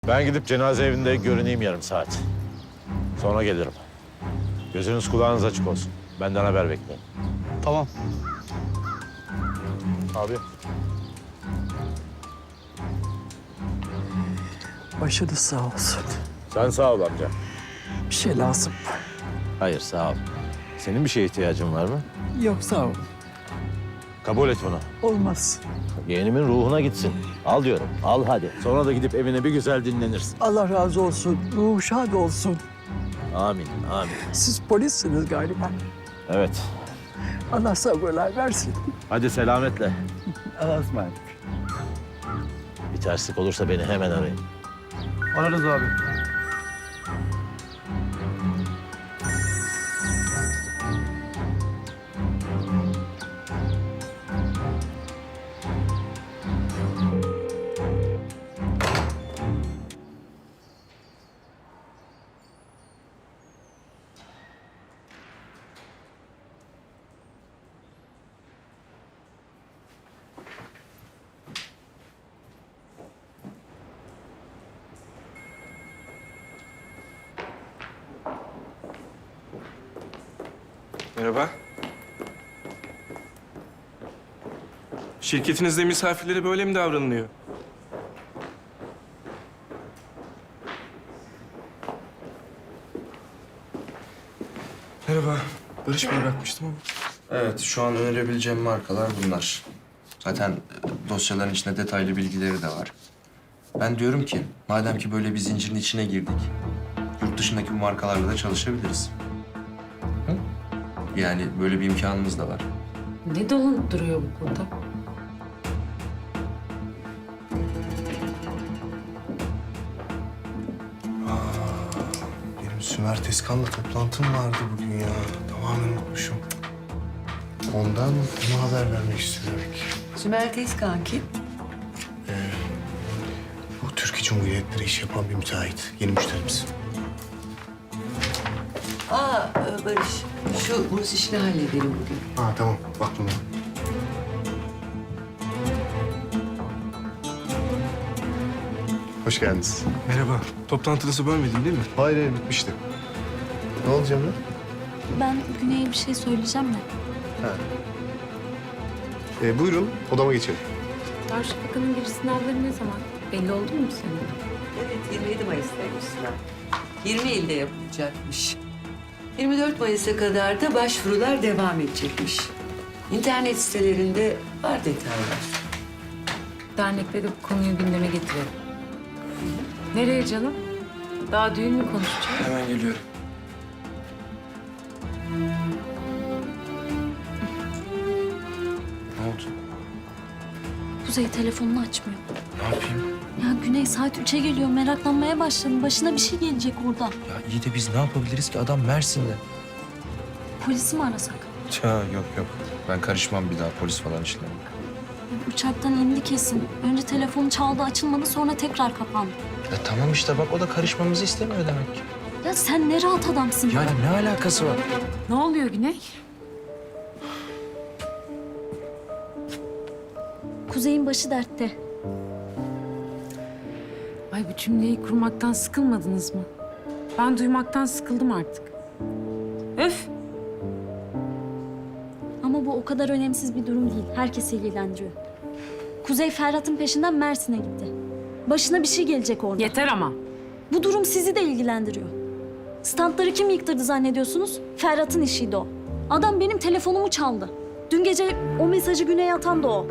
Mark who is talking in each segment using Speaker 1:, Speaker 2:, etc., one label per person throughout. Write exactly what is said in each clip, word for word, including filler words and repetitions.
Speaker 1: Ben gidip cenaze evinde görüneyim yarım saat. Sonra gelirim. Gözünüz kulağınız açık olsun. Benden haber bekleyin.
Speaker 2: Tamam.
Speaker 1: Abi.
Speaker 2: Başınız sağ olsun.
Speaker 1: Sen sağ ol amca.
Speaker 2: Bir şey lazım.
Speaker 1: Hayır sağ ol. Senin bir şeye ihtiyacın var mı?
Speaker 2: Yok sağ ol.
Speaker 1: Kabul et bunu.
Speaker 2: Olmaz.
Speaker 1: Yeğenimin ruhuna gitsin. Al diyorum. Al hadi. Sonra da gidip evine bir güzel dinlenirsin.
Speaker 2: Allah razı olsun. Ruhu şad olsun.
Speaker 1: Amin, amin.
Speaker 2: Siz polissiniz galiba.
Speaker 1: Evet.
Speaker 2: Allah sabırlar versin.
Speaker 1: Hadi selametle.
Speaker 2: Allah'a ısmarladık.
Speaker 1: Bir terslik olursa beni hemen arayın.
Speaker 2: Ararız abi.
Speaker 3: Merhaba. Şirketinizde misafirlere böyle mi davranılıyor? Merhaba. Barış Bey'e bakmıştım ama.
Speaker 4: Evet, şu an önerebileceğim markalar bunlar. Zaten e, dosyaların içinde detaylı bilgileri de var. Ben diyorum ki, madem ki böyle bir zincirin içine girdik, yurt dışındaki bu markalarla da çalışabiliriz. Hı? Yani böyle bir imkanımız da var.
Speaker 5: Ne dolanıp duruyor bu burada?
Speaker 6: Benim Sümer Tezkan'la toplantım vardı bugün ya. Tamamen unutmuşum. Ondan ona haber vermek istedik.
Speaker 5: Sümer Tezkan kim?
Speaker 6: Bu Türkiye Cumhuriyetleri iş yapan bir müteahhit. Yeni müşterimiz.
Speaker 5: Aa e, Barış, şu burs işini halledelim bugün.
Speaker 6: Ha tamam, baktım ben. Hoş geldiniz.
Speaker 3: Merhaba. Toplantınızı bölmedim değil mi?
Speaker 6: Hayır, hayır bitmişti. Ne oldu Cemre?
Speaker 7: Ben Güney'e bir şey söyleyeceğim de.
Speaker 6: Ee, buyurun, odama geçelim.
Speaker 7: Darüşşafaka'nın giriş sınavları ne zaman? Belli oldu mu senin?
Speaker 5: Evet, yirmi yedi Mayıs'taymış sınav. yirmi ilde yapılacakmış. yirmi dört Mayıs'a kadar da başvurular devam edecekmiş. İnternet sitelerinde var detaylar.
Speaker 7: Dernekte de bu konuyu gündeme getirelim. Nereye canım? Daha düğün mü konuşacağız?
Speaker 3: Hemen geliyorum.
Speaker 4: Ne oldu?
Speaker 7: Kuzey telefonunu açmıyor.
Speaker 4: Ne yapayım?
Speaker 7: Ya Güney saat üçe geliyor. Meraklanmaya başladım. Başına bir şey gelecek orada.
Speaker 4: Ya iyi de biz ne yapabiliriz ki? Adam Mersin'de.
Speaker 7: Polisi mi arasak?
Speaker 4: Ya yok yok. Ben karışmam bir daha polis falan işlerine.
Speaker 7: Uçaktan indi kesin. Önce telefonu çaldı, açılmadı, sonra tekrar kapandı.
Speaker 4: Ya tamam işte bak o da karışmamızı istemiyor demek ki.
Speaker 7: Ya sen ne rahat adamsın.
Speaker 4: Yani ne alakası var?
Speaker 7: Ne oluyor Güney? Kuzey'in başı dertte.
Speaker 8: Ay bu cümleyi kurmaktan sıkılmadınız mı? Ben duymaktan sıkıldım artık. Öf!
Speaker 7: Ama bu o kadar önemsiz bir durum değil. Herkesi ilgilendiriyor. Kuzey Ferhat'ın peşinden Mersin'e gitti. Başına bir şey gelecek orada.
Speaker 8: Yeter ama.
Speaker 7: Bu durum sizi de ilgilendiriyor. Standları kim yıktırdı zannediyorsunuz? Ferhat'ın işiydi o. Adam benim telefonumu çaldı. Dün gece o mesajı Güney'e atan da o.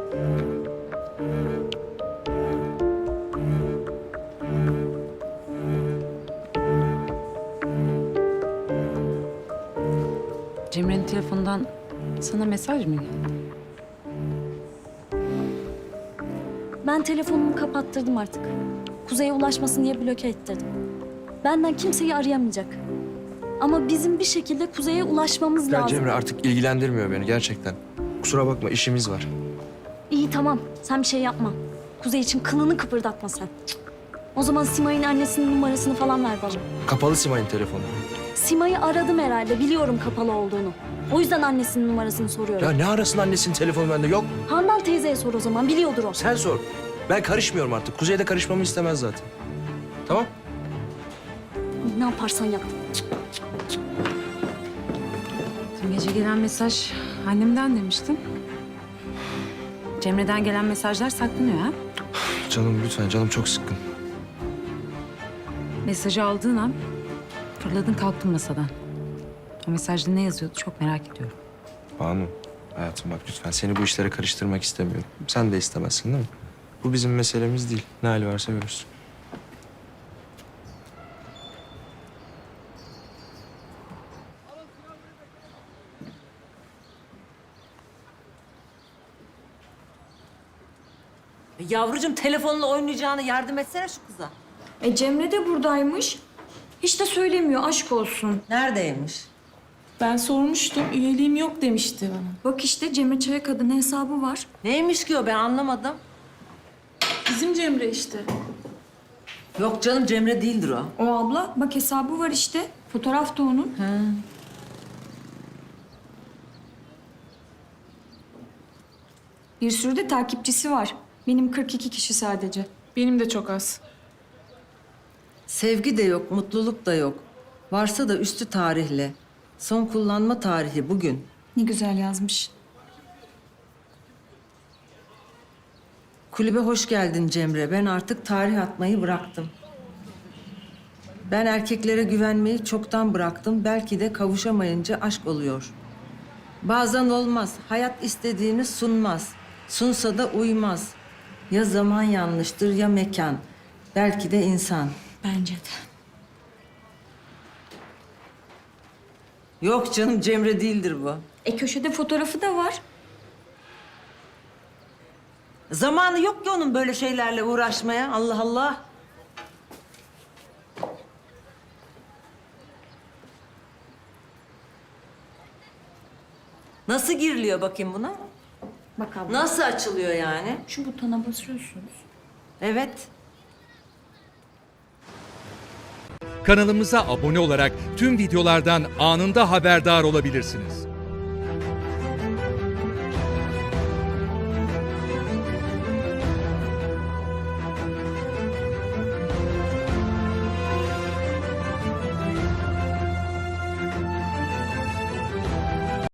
Speaker 8: Cemre'nin telefonundan sana mesaj mı geldi?
Speaker 7: Ben telefonumu kapattırdım artık. Kuzey'e ulaşmasın diye bloke ettirdim. Benden kimseyi arayamayacak. Ama bizim bir şekilde Kuzey'e ulaşmamız
Speaker 4: Ya
Speaker 7: lazım.
Speaker 4: Cemre artık ilgilendirmiyor beni gerçekten. Kusura bakma işimiz var.
Speaker 7: İyi tamam, sen bir şey yapma. Kuzey için kılını kıpırdatma sen. O zaman Simay'ın annesinin numarasını falan ver bana.
Speaker 4: Kapalı Simay'ın telefonu.
Speaker 7: Sima'yı aradım herhalde, biliyorum kapalı olduğunu. O yüzden annesinin numarasını soruyorum.
Speaker 4: Ya ne arasın annesinin telefonu bende yok.
Speaker 7: Handan teyzeye sor o zaman, biliyordur o.
Speaker 4: Sen sor. Ben karışmıyorum artık. Kuzey de karışmamı istemez zaten.
Speaker 3: Tamam.
Speaker 7: Ne yaparsan yap.
Speaker 8: Dün gece gelen mesaj annemden demiştin. Cemre'den gelen mesajlar saklanıyor ha?
Speaker 4: Canım lütfen, canım çok sıkkın.
Speaker 8: Mesajı aldığın an fırladın kalktın masadan. O mesajda ne yazıyordu çok merak ediyorum.
Speaker 4: Banu, hayatım bak lütfen seni bu işlere karıştırmak istemiyorum. Sen de istemezsin değil mi? Bu bizim meselemiz değil. Ne hali varsa görürsün.
Speaker 9: Yavrucuğum telefonla oynayacağını yardım etsene şu kıza.
Speaker 10: E Cemre de buradaymış. Hiç de söylemiyor, aşk olsun.
Speaker 9: Neredeymiş?
Speaker 11: Ben sormuştum, üyeliğim yok demişti bana.
Speaker 10: Bak işte Cemre Çayakada'nın hesabı var.
Speaker 9: Neymiş ki o, ben anlamadım.
Speaker 11: Bizim Cemre işte.
Speaker 9: Yok canım, Cemre değildir o.
Speaker 10: O abla, bak hesabı var işte. Fotoğraf da onun. Bir sürü de takipçisi var. Benim kırk iki kişi sadece.
Speaker 11: Benim de çok az.
Speaker 9: Sevgi de yok, mutluluk da yok. Varsa da üstü tarihli. Son kullanma tarihi bugün.
Speaker 10: Ne güzel yazmış.
Speaker 9: Kulübe hoş geldin Cemre. Ben artık tarih atmayı bıraktım. Ben erkeklere güvenmeyi çoktan bıraktım. Belki de kavuşamayınca aşk oluyor. Bazen olmaz. Hayat istediğini sunmaz. Sunsa da uymaz. Ya zaman yanlıştır ya mekan. Belki de insan.
Speaker 10: Bence de.
Speaker 9: Yok canım, Cemre değildir bu.
Speaker 10: E köşede fotoğrafı da var.
Speaker 9: Zamanı yok ki onun böyle şeylerle uğraşmaya. Allah Allah. Nasıl giriliyor bakayım buna?
Speaker 10: Bak abla.
Speaker 9: Nasıl açılıyor yani?
Speaker 10: Şu butona basıyorsunuz.
Speaker 9: Evet.
Speaker 12: Kanalımıza abone olarak tüm videolardan anında haberdar olabilirsiniz.